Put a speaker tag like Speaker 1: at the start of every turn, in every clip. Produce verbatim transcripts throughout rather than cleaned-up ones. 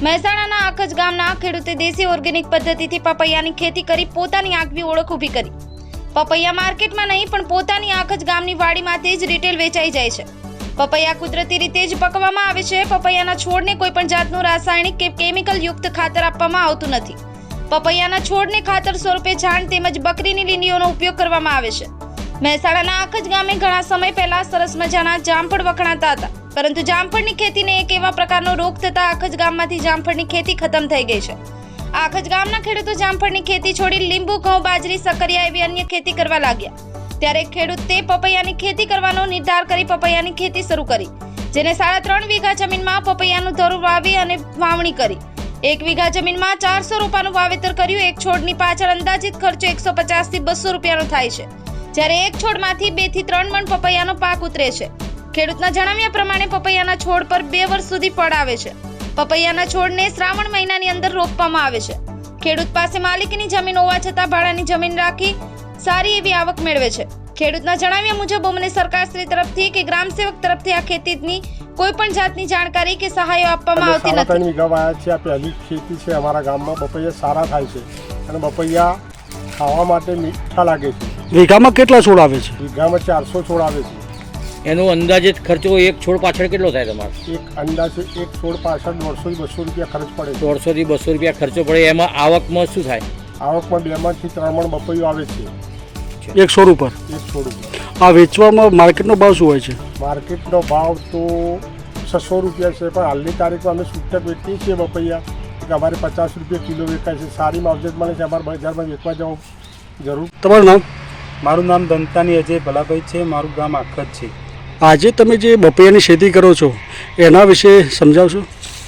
Speaker 1: મહેસાણાના આખજ ગામના ખેડૂતે દેશી ઓર્ગેનિક પદ્ધતિથી પપૈયાની ખેતી કરી પોતાની આગવી ઓળખ ઊભી કરી। પપૈયા માર્કેટમાં નહીં પણ પોતાની આખજ ગામની વાડીમાંથી જ રિટેલ વેચાઈ જાય છે। પપૈયા કુદરતી રીતે જ પકવવામાં આવે છે। પપૈયાના છોડને કોઈ પણ જાતનું રાસાયણિક કે કેમિકલ યુક્ત ખાતર આપવામાં આવતું નથી। પપૈયાના છોડને ખાતર સ્વરૂપે છાણ તેમજ બકરીની લીંડીઓનો ઉપયોગ કરવામાં આવે છે। મહેસાણાના આખજ ગામે ઘણા સમય પહેલા સરસ મજાના જામફળ વખણાતા હતા, પરંતુ જામફળની ખેતીને એક એવા પ્રકારનો રોગ થતા આખજ ગામમાંથી જામફળની ખેતી ખતમ થઈ ગઈ છે। આખજ ગામના ખેડૂતો જામફળની ખેતી છોડી લીંબુ, ઘઉં, બાજરી, સક્કરિયા એવી અન્ય ખેતી કરવા લાગ્યા। ત્યારે ખેડૂતે પપૈયાની ખેતી કરવાનો નિર્ધાર કરી પપૈયાની ખેતી શરૂ કરી, જેને સાડા ત્રણ વીઘા જમીનમાં પપૈયાનું ધરું વાવી અને વાવણી કરી। એક વીઘા જમીનમાં ચારસો રોપાનું વાવેતર કર્યું। એક છોડની પાછળ અંદાજિત ખર્ચો એકસો પચાસ થી બસો રૂપિયાનો થાય છે, જ્યારે એક છોડમાંથી બે થી ત્રણ મણ પપૈયાનો પાક ઉતરે છે। ખેડૂતના જણાવ્યા પ્રમાણે પપૈયાના છોડ પર બે વર્ષ સુધી ફળ આવે છે। પપૈયાના છોડને શ્રાવણ મહિનાની અંદર રોપવામાં આવે છે। ખેડૂત પાસે માલિકીની જમીન હોવા છતાં ભાડાની જમીન રાખી સારી એવી આવક મેળવે છે। ખેડૂતના જણાવ્યા મુજબ અમને સરકારશ્રી તરફથી કે ગ્રામસેવક તરફથી આ ખેતીની કોઈ પણ જાતની જાણકારી કે સહાયો આપવામાં આવતી નથી।
Speaker 2: ત્રણ વીઘા વાયા છે। આ પહેલી ખેતી છે અમારા ગામમાં। પપૈયા સારા થાય છે અને પપૈયા ખાવા માટે મીઠા લાગે છે।
Speaker 3: વીઘામાં કેટલા છોડ આવે છે?
Speaker 2: વીઘામાં ચારસો છોડ આવે છે।
Speaker 4: એનો અંદાજિત ખર્ચો એક છોડ પાછળ કેટલો થાય તમારો?
Speaker 2: એક અંદાજે એક છોડ પાછળ દોઢસો થી બસો રૂપિયા ખર્ચ પડે છે।
Speaker 4: દોઢસો થી બસો રૂપિયા ખર્ચો પડે। એમાં આવકમાં શું થાય?
Speaker 2: આવકમાં બે મણ થી ત્રણ મણ બપૈયું આવે છે
Speaker 3: એક છોડ ઉપર।
Speaker 2: એક છોડ ઉપર
Speaker 3: આ વેચવામાં માર્કેટનો ભાવ શું હોય છે?
Speaker 2: માર્કેટનો ભાવ તો છસો રૂપિયા છે, પણ હાલની તારીખમાં અમે છૂટક વેચીએ છીએ બપૈયા કે અમારે પચાસ રૂપિયા કિલો વેચાય છે। સારી માવજત મળે છે। અમારે બજારમાં વેચવા જવું જરૂર।
Speaker 3: તમારું નામ?
Speaker 5: મારું નામ દંતાની અજય ભલાભાઈ છે। મારું ગામ આખજ છે।
Speaker 3: આજે તમે જે બપૈયાની ખેતી કરો છો એના વિશે સમજાવશો?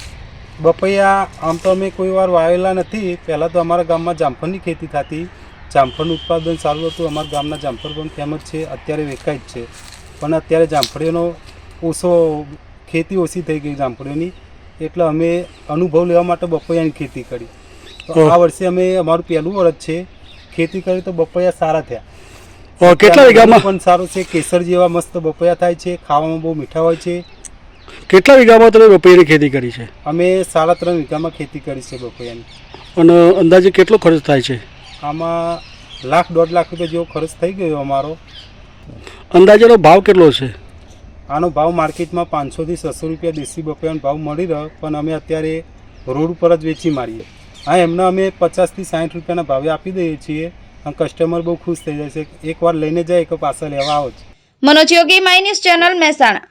Speaker 5: બપૈયા આમ તો અમે કોઈ વાર વાવેલા નથી। પહેલાં તો અમારા ગામમાં જામફળની ખેતી થતી। જામફળનું ઉત્પાદન સારું હતું। અમારા ગામના જામફળ પણ ફેમસ છે, અત્યારે વેચાય જ છે। પણ અત્યારે જામફળીઓનો ઓછો ખેતી ઓછી થઈ ગઈ જામફળીઓની, એટલે અમે અનુભવ લેવા માટે બપૈયાની ખેતી કરી। તો આ વર્ષે અમે અમારું પહેલું વર્ષ છે ખેતી કરી, તો બપૈયા સારા થયા।
Speaker 3: કેટલા વીઘામાં
Speaker 5: પણ સારું છે। કેસર જેવા મસ્ત બપૈયા થાય છે, ખાવામાં બહુ મીઠા હોય છે।
Speaker 3: કેટલા વીઘામાં તમે બપૈયાની ખેતી કરી છે?
Speaker 5: અમે સાડા ત્રણ વીઘામાં ખેતી કરી છે બપૈયાની।
Speaker 3: અને અંદાજે કેટલો ખર્ચ થાય છે?
Speaker 5: આમાં લાખ દોઢ લાખ રૂપિયા જેવો ખર્ચ થઈ ગયો અમારો।
Speaker 3: અંદાજેનો ભાવ કેટલો છે?
Speaker 5: આનો ભાવ માર્કેટમાં પાંચસો થી છસો રૂપિયા દેશી બપૈયાનો ભાવ મળી રહ્યો, પણ અમે અત્યારે રોડ ઉપર જ વેચી મારીએ। હા, એમને અમે પચાસથી સાઠ રૂપિયાના ભાવે આપી દઈએ છીએ અને કસ્ટમર બહુ ખુશ થઈ જાય છે। એકવાર લઈને જાય કે પાછા લેવા આવો જ।
Speaker 1: Manoj Yogi, my news channel, Mehsana.